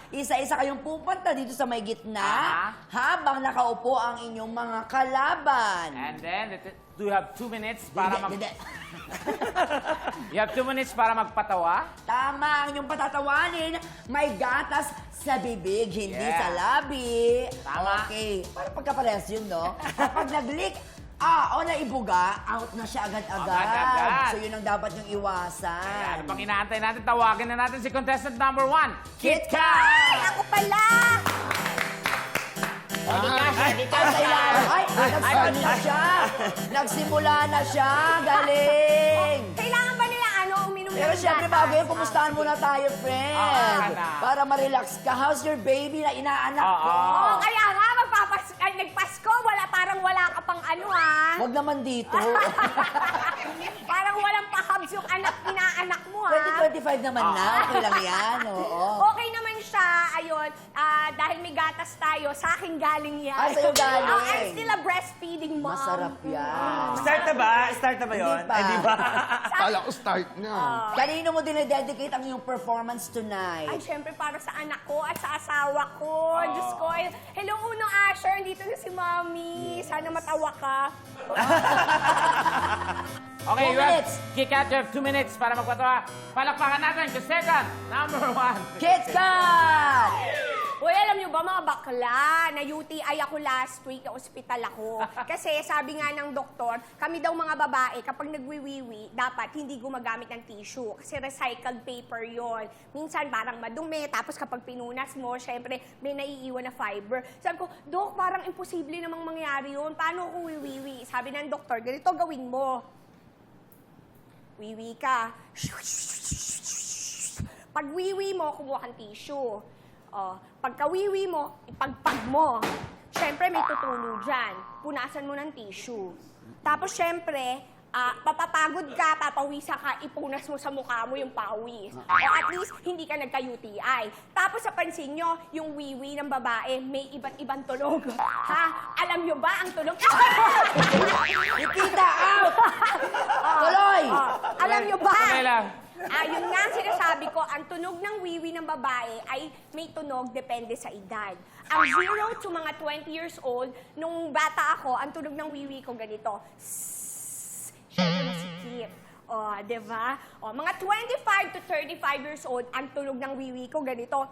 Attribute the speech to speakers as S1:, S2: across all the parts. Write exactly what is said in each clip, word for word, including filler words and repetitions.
S1: Isa-isa kayong pupunta dito sa may gitna
S2: Ah.
S1: habang nakaupo ang inyong mga kalaban.
S2: And then, it- do you have two minutes para mag...
S1: Hindi, hindi.
S2: You have two minutes para magpatawa?
S1: Tama, ang inyong patatawanin, may gatas sa bibig, hindi
S2: Yeah.
S1: sa labi.
S2: Tama.
S1: Okay, parang pagkaparehas yun, no? Kapag nag-leak, ah, o naibuga, out na siya agad-agad.
S2: Agad-agad.
S1: So yun ang dapat yung iwasan.
S2: Kaya ano pang inaantay natin? Tawagin na natin si contestant number one,
S1: Kit
S2: Kit
S1: Kat!
S2: Kat!
S3: Ako pala!
S1: Ay, ay, nagsimula na siya. Nagsimula na siya. Galing.
S3: Kailangan ba nila ano, uminom
S1: Pero
S3: ng
S1: syempre,
S3: gatas?
S1: bago yun, kumustahan muna tayo, friend.
S2: Ah, na.
S1: Para ma-relax ka. How's your baby na inaanak
S2: Oo.
S1: ko?
S3: Oo, kaya nga, magpapas ay, nagpasko, wala, parang wala ka pang ano ah.
S1: Huwag naman dito.
S3: Parang walang pahabs yung anak, inaanak mo ah.
S1: twenty twenty-five naman na. Okay lang yan. Oo.
S3: Okay naman siya, ayun, ah, dahil may gatas tayo, sa akin galing yan.
S1: Ah, sa'yo galing.
S3: Oh, I'm still a breastfeeding mom.
S1: Masarap yan.
S4: Start na ba? Start na ba yun?
S1: Hindi pa.
S4: Eh, di ba?
S5: Kala ko start na.
S1: Kanino mo dinededicate ang iyong performance
S3: Ay,
S1: tonight?
S3: syempre para sa anak ko at sa asawa ko. Diyos ko. eh, Hello, unang Asher. Dito na si Mami. Sana matawa ka.
S2: Okay,
S1: Two
S2: you have,
S1: minutes.
S2: Kit Kat, you have two minutes para magpatawa. Palakpakan natin, contestant number one.
S1: Kit Kat!
S3: Uy, alam niyo ba mga bakla, na-U T I ako last week, na ospital ako. Kasi sabi nga ng doktor, kami daw mga babae, kapag nagwiwiwi, dapat hindi gumagamit ng tissue. Kasi recycled paper yon. Minsan parang madumi, tapos kapag pinunas mo, syempre may naiiwan na fiber. Sabi ko, Dok, parang imposible namang mangyari yun. Paano ako wiwiwi? Sabi ng doktor, ganito gawin mo. Wiwi ka. Pag wiwi mo, kumuha kang tissue. Oh, pagka-wiwi mo, ipagpag mo. Siyempre, may tutulo dyan. Punasan mo ng tissue. Tapos, siyempre, ah, papapagod ka, papawisa ka, ipunas mo sa mukha mo yung pawis. O at least, hindi ka nagka-U T I. Tapos, sa pansin nyo, yung wiwi ng babae, may iba't ibang tunog. Ha? Alam nyo ba ang tunog?
S1: Nikita, out! Tuloy!
S3: Oh, alam nyo ba?
S2: Tuloy lang.
S3: Ah, yun nga ang sinasabi ko, ang tunog ng wiwi ng babae ay may tunog depende sa edad. Ang zero to mga twenty years old, nung bata ako, ang tunog ng wiwi ko ganito. Sssss. Siyempre masikip. O, di ba? O, mga twenty-five to thirty-five years old, ang tunog ng wiwi ko ganito.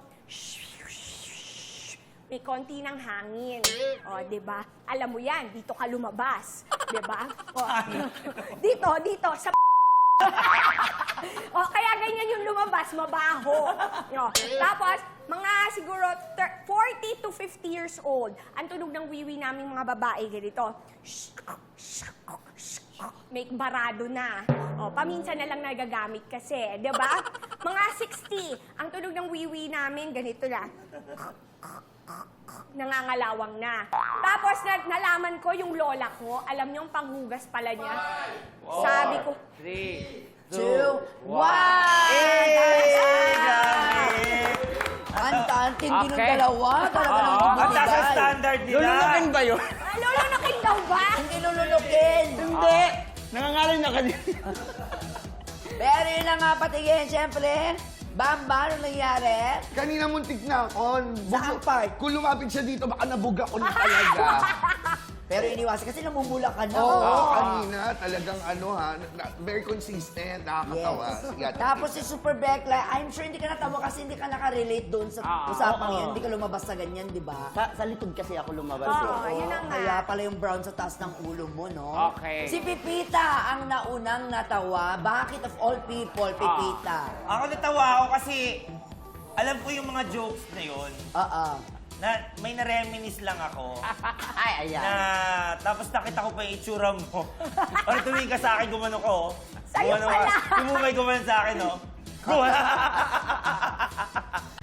S3: May konti ng hangin. O, di ba? Alam mo yan, dito ka lumabas. Di ba? O, dito, dito, sa o, kaya ganyan yung lumabas, mabaho. No. Tapos, mga siguro forty to fifty years old, ang tunog ng wiwi naming mga babae, ganito. May barado na. O, paminsan na lang nagagamit kasi, di ba? Mga sixty, ang tunog ng wiwi namin, ganito na. Nangangalawang na. Tapos, na nalaman ko yung lola ko, alam niyo, ang panghugas pala niya. Sabi ko,
S2: Three,
S1: Two, one! Anta-anting din ng
S2: Okay.
S1: dalawa. Talaga ng
S2: Oo.
S4: Ang taas ang
S1: komunidad.
S4: standard nila.
S5: Lulunukin ba yun?
S3: ah, lola nakin daw ba?
S1: Hindi lulunukin.
S5: Hindi. Nangangalan na kanina.
S1: Pero yun na nga patigin, siyempre. Bamba, ano nangyari?
S5: Kanina muntik na ako.
S1: Saan part?
S5: Kung lumapit siya dito, baka nabuga ko na talaga.
S1: Pero iniwasan kasi namumula ka na.
S5: Oo, kanina talagang ano ha, na- very consistent, nakakatawa. Sige,
S1: Yes. Tapos si Super Bekla, I'm sure hindi ka natawa kasi hindi ka nakarelate doon sa
S2: Ah,
S1: usapang
S6: oo.
S1: yun. Hindi ka lumabas sa ganyan, di ba?
S6: Sa, sa likod kasi ako lumabas.
S3: Oo,
S6: eh.
S3: yun na nga.
S1: Kaya pala yung brown sa taas ng ulo mo, no?
S2: Okay.
S1: Si Pipita ang naunang natawa. Bakit of all people, Pipita?
S4: Ako natawa ako kasi alam ko yung mga jokes na yun.
S1: Oo.
S4: Na may na-reminisce lang ako.
S6: Ay, ayan.
S4: Na tapos nakita ko pa yung itsura mo. Or tumingin ka sa akin, gumano ko.
S3: Sa'yo
S4: Gumano
S3: pala.
S4: ka. Tumumay gumano sa akin, no? Gumano.